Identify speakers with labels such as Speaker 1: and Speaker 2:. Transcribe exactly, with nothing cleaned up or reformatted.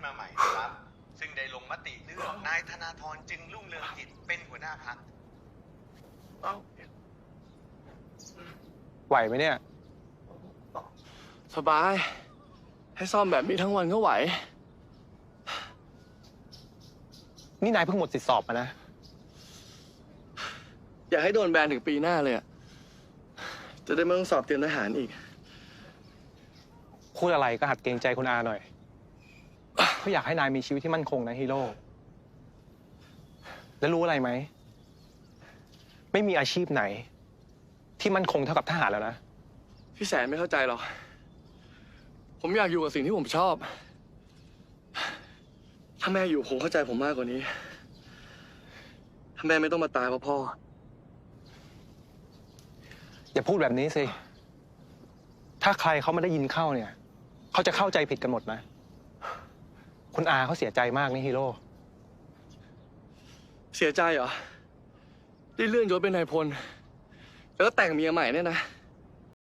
Speaker 1: มาใหม่นะครับซึ่งได้ลงมติเลือกนายธนาธรจึงรุ่งเรืองกิจเป็นหัวหน้าพรรค
Speaker 2: ไหวไหมเนี่ย
Speaker 3: สบาย ให้ซ่อมแบบนี้ทั้งวันก็ไหว
Speaker 2: นี่นายเพิ่งหมดสิทธิสอบมานะ
Speaker 3: อยากให้โดนแบนถึงปีหน้าเลยอะจะได้ไม่ต้องสอบเตรียมทหารอีก
Speaker 2: พูดอะไรก็หัดเกรงใจคุณอาหน่อยเขาอยากให้นายมีชีวิตที่มั่นคงนะฮีโร่ แล้วรู้อะไรไหม ไม่มีอาชีพไหน ที่มั่นคงเท่ากับทหารแล้วนะ
Speaker 3: พี่แสนไม่เข้าใจหรอก ผมอยากอยู่กับสิ่งที่ผมชอบ ถ้าแม่อยู่ผมเข้าใจผมมากกว่านี้ ถ้าแม่ไม่ต้องมาตายเพราะพ่อ
Speaker 2: อย่าพูดแบบนี้สิ ถ้าใครเขาไม่ได้ยินเข้าเนี่ย เขาจะเข้าใจผิดกันหมดนะ คุณอาเขาเสียใจมากนี่ฮีโร่
Speaker 3: เสียใจเหรอ ได้เลื่อนยศเป็นนายพล แล้วก็แต่งเมียใหม่เนี่ยนะ